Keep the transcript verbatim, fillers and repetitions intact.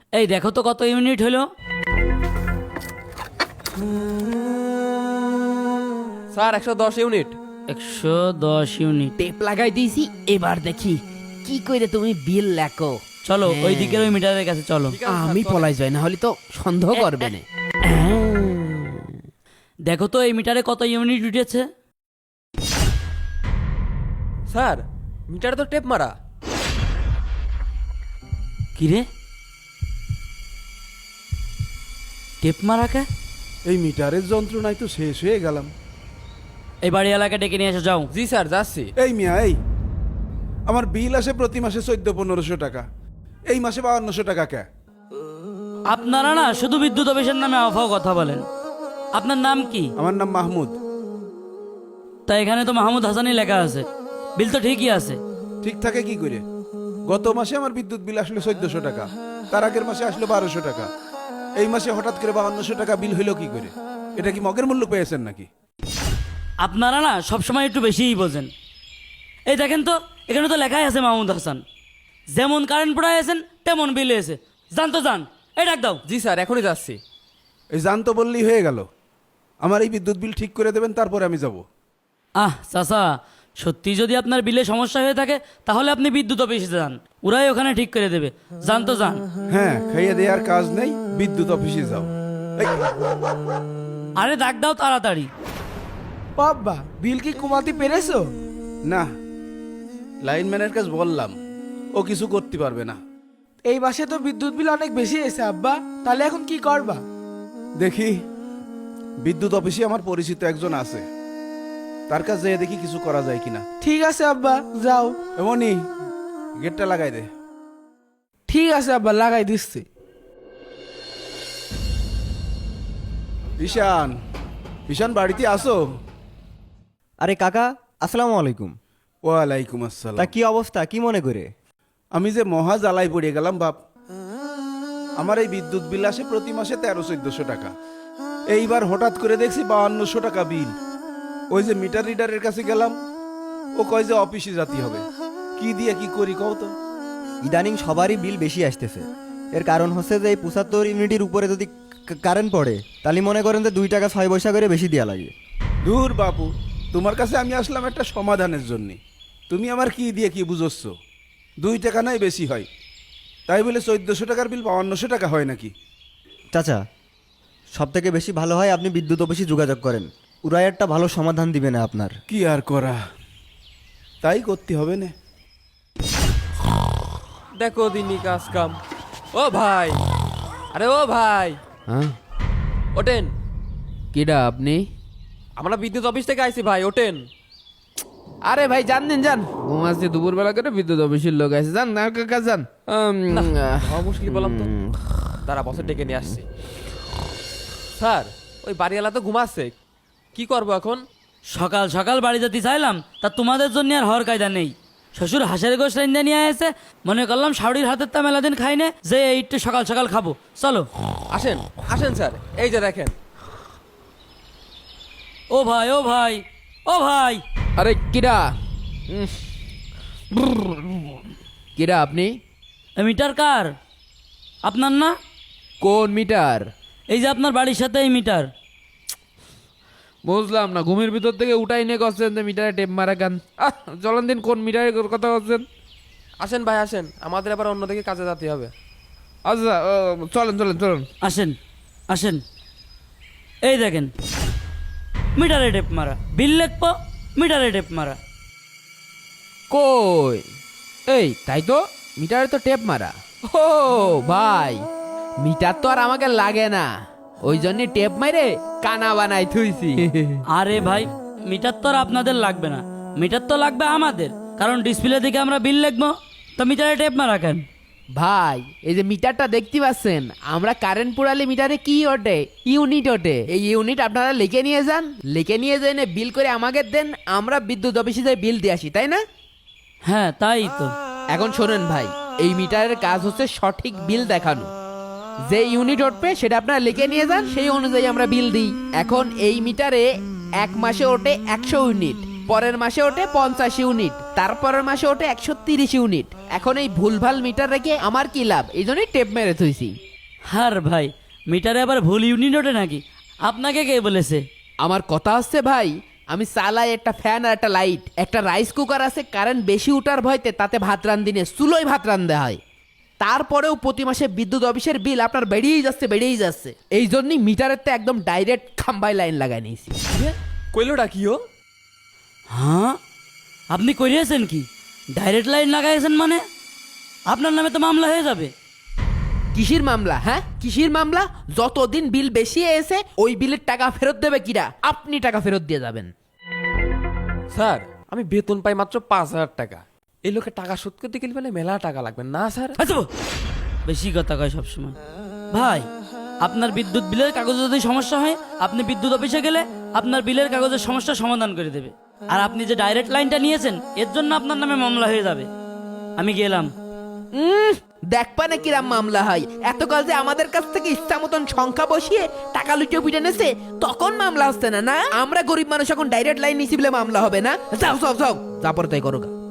এই দেখো তো কত ইউনিট হলো। স্যার একশো দশ ইউনিট। একশো দশ ইউনিট। টেপ লাগাই দিয়েছি, এবার দেখি কি করে তুমি বিল লেখো। চলো ওই দিকের ওই মিটারের কাছে চলো। ঠিক আছে, স্যার, আমি চলেন। পলাই যাই, না হলে তো সন্দেহ করবে না। দেখো তো এই মিটারে কত ইউনিট উঠেছে। স্যার মিটারে তো টেপ মারা। কিরে টেপ মারা কে? এই মিটারের যন্ত্রণায় তো শেষ হয়ে গেলাম। এই বাড়ি এলাকা ডেকে নিয়ে এসে যাও। জি স্যার যাচ্ছি। এই মিয়া, এই আমার বিল আসে প্রতি মাসে চোদ্দ পনেরোশো টাকা, এই মাসে বাউন্নশো টাকা কে? আপনারা না শুধু বিদ্যুৎ অফিসের নামে আফাও কথা বলেন। আপনার নাম কি? আমার নাম মাহমুদ। তা এখানে তো মাহমুদ হাসানই লেখা আছে, বিল তো ঠিকই আছে। ঠিক থাকে কি করে? গত মাসে আমার বিদ্যুৎ বিল আসলো চোদ্দশো টাকা, তার আগের মাসে আসলো বারোশো টাকা, এই মাসে হঠাৎ করে বাউন্নশো টাকা বিল হইলো কি করে? এটা কি মগের মূল্য পেয়েছেন নাকি? আপনারা না সবসময় একটু বেশিই বোঝেন। এই দেখেন তো এখানে তো লেখাই আছে মাহমুদ হাসান, যেমন কারেন্ট পড়ায় আছেন তেমন বিল এসে। জান তো জান, এই ডাক দাও। জি স্যার এখনই যাচ্ছি। এই জান তো বললেই হয়ে গেল। আমার এই বিদ্যুৎ বিল ঠিক করে দেবেন, তারপরে আমি যাব। আহ চাচা, সত্যি যদি আপনার বিলে সমস্যা হয়ে থাকে তাহলে আপনি বিদ্যুৎ অফিসে যান, ওরাই ওখানে ঠিক করে দেবে। জান তো জান। হ্যাঁ, খাইয়ে দেওয়ার কাজ নেই, বিদ্যুৎ অফিসে যাও। এই, আরে ডাক দাও তাড়াতাড়ি। বাবা বিল কি কমাতে পেরেছো? না, লাইনম্যানের কাছে বললাম, ও কিছু করতে পারবে না। এই মাসে তো বিদ্যুৎ বিল অনেক বেশি এসে আব্বা, তাহলে এখন কি করবা? দেখি, বিদ্যুৎ অফিসে আমার পরিচিত একজন আছে, তার কাছে যেয়ে দেখি কিছু করা যায় কিনা। ঠিক আছে আব্বা, যাও। এমনই গেটটা লাগাই দে। ঠিক আছে আব্বা, লাগাই দিচ্ছি। ঈশান, ঈশান বাড়িতে আসো? আরে কাকা, আসসালামু আলাইকুম। ওয়ালাইকুম তা আসসালাম। কি অবস্থা, কি মনে করে? আমি যে মহা জ্বালাই পড়ে গেলাম বাপ। আমার এই বিদ্যুৎ বিল আসে প্রতি মাসে তেরো চোদ্দশো টাকা, এইবার হঠাৎ করে দেখছি বাউন্নশো টাকা বিল। ওই যে মিটার রিডারের কাছে গেলাম, ও কয় যে অফিসে যেতে হবে। কি দিয়ে কি করি কও তো? ইদানিং সবারই বিল বেশি আসতেছে। এর কারণ হচ্ছে যে এই পঁচাত্তর ইউনিটের উপরে যদি কা- কারেন্ট পড়ে, তাহলে মনে করেন যে দুই টাকা ছয় পয়সা করে বেশি দেওয়া লাগে। দূর বাপু, তোমার কাছে আমি আসলাম একটা সমাধানের জন্য। তুমি আমার কি দিয়ে কি বুঝোচ্ছ? দুই টাকা নয় বেশি হয়, তাই বলে চোদ্দশো টাকার বিল বাউন্নশো টাকা হয় নাকি? চাচা, সব থেকে বেশি ভালো হয় আপনি বিদ্যুৎ অফিসে যোগাযোগ করেন, ওরাই একটা ভালো সমাধান দিবে না আপনার। কি আর করা, তাই করতে হবে না। দেখো দিনই কাজ কাম। ও ভাই, আরে ও ভাই, হ্যাঁ, ওঠেন। কিডা আপনি? আমরা বিদ্যুৎ অফিস থেকে আইছি ভাই, ওঠেন। আরে ভাই জান দিন যান, ঘুমাচ্ছি দুপুর বেলা করে, বিদ্যুৎ অফিসের লোক আছে, যান না কাকা যান। উম, আহ, হওয়া মুশকিল বললাম তো, তারা বছর ডেকে নিয়ে আসছি। স্যার ওই বাড়িওয়ালা তো ঘুমাচ্ছে, কি করবো এখন? সকাল সকাল বাড়ি যেতে চাইলাম, তা তোমাদের জন্য আর হওয়ার কায়দা নেই। শ্বশুর হাঁসের গোশ রাইন্দা নিয়ে এসে মনে করলাম শাউরির হাতের তা মেলাদিন খাই নে, যে এইটু সকাল সকাল খাবো। চলো আসেন আসেন স্যার, এই যে দেখেন। ও ভাই, ও ভাই, ও ভাই। আরে কিডা? উম, কিডা আপনি? এ মিটার কার? আপনার না? কোন মিটার? এই যে আপনার বাড়ির সাথে এই মিটার। বুঝলাম না, ঘুমের ভিতর থেকে উঠাই নিয়ে করছেন যে মিটারে টেপ মারা গান। আহ চলেন দিন, কোন মিটারের কথা করছেন? আসেন ভাই আসেন, আমাদের আবার অন্যদিকে কাজে যেতে হবে। আচ্ছা আহ, চলেন চলেন চলেন। আসেন আসেন, এই দেখেন মিটারে টেপ মারা, বিল লেখবো মিটারে টেপ মারা। কই? এই তাই তো, মিটারে তো টেপ মারা। ও ভাই, মিটার তো আর আমাকে লাগে না, ওই জন্য টেপ মাইরে কানা বানাই থুইছি। আরে ভাই, মিটার তো আর আপনাদের লাগবে না, মিটার তো লাগবে আমাদের, কারণ ডিসপ্লে দিকে আমরা বিল লিখবো, তো মিটারে টেপ মারা কেন? ভাই এই যে মিটারটা দেখতে পাচ্ছেন, আমরা কারেন্ট পুরালে মিটারে কি ওঠে? ইউনিট ওঠে। এই ইউনিট আপনারা লিখে নিয়ে যান, লিখে নিয়ে যান, বিল করে আমাকে দেন, আমরা বিদ্যুৎ অফিসে যাই বিল দিয়ে আসি, তাই না? হ্যাঁ তাই তো। এখন শোনেন ভাই, এই মিটারের কাজ হচ্ছে সঠিক বিল দেখানো। যে ইউনিট উঠবে সেটা আপনারা লিখে নিয়ে যান, সেই অনুযায়ী আমরা বিল দিই। এখন এই মিটারে এক মাসে ওঠে একশো ইউনিট, পরের মাসে ওঠে পঞ্চাশ ইউনিট, তারপরের মাসে ওঠে একশো তিরিশ ইউনিট। এখন এই ভুলভাল মিটার রেখে আমার কি লাভ? এই জন্যই টেপ মেরে থইছি। হার ভাই, মিটারে আবার ভুল ইউনিট ওঠে নাকি? আপনাকে কে বলেছে? আমার কথা হচ্ছে ভাই, আমি চালাই একটা ফ্যান আর একটা লাইট, একটা রাইস কুকার আছে, কারেন্ট বেশি উঠার ভয়তে তাতে ভাত রান্ধিনে চুলোয় ভাত রান্ধা হয়। তারপরেও প্রতি মাসে বিদ্যুৎ অফিসের বিল আপনার বেড়েই যাচ্ছে বেড়েই যাচ্ছে। এই জন্যই মিটারের তো একদম ডাইরেক্ট খাম্বায় লাইন লাগাই নিয়েছি। কইলোটা কি ও? হ্যাঁ, আপনি করিয়েছেন কি? ডাইরেক্ট লাইন লাগাইছেন মানে? আপনার নামে তো মামলা হয়ে যাবে। কিসির মামলা? হ্যাঁ, কিসির মামলা? যতদিন বিল বেশি এসে ওই বিলের টাকা ফেরত দেবে কিরা? আপনি টাকা ফেরত দিয়ে যাবেন। স্যার আমি বেতন পাই মাত্র পাঁচ হাজার টাকা, এই লোকে টাকা শোধ করতে গেলে বলে মেলা টাকা লাগবে না স্যার? আচ্ছা, বেশি কথা কয় সবসময়। ভাই, আপনার বিদ্যুৎ বিলের কাগজে যদি সমস্যা হয়, আপনি বিদ্যুৎ অফিসে গেলে আপনার বিলের কাগজের সমস্যা সমাধান করে দেবে। আর আপনি যে ডাইরেক্ট লাইনটা নিয়েছেন, এর জন্য আপনার নামে মামলা হয়ে যাবে। আমি গেলাম। উম, দেখবা না কিরাম মামলা হয়। এতকাল যে আমাদের কাছ থেকে ইচ্ছা মতন সংখ্যা বসিয়ে টাকা লুটিয়ে পিটে নেছে, তখন মামলা হচ্ছে না। না, আমরা গরিব মানুষ এখন ডাইরেক্ট লাইন নিছি বলে মামলা হবে না? যাও যাও যাও, যা পরে তাই করো গা।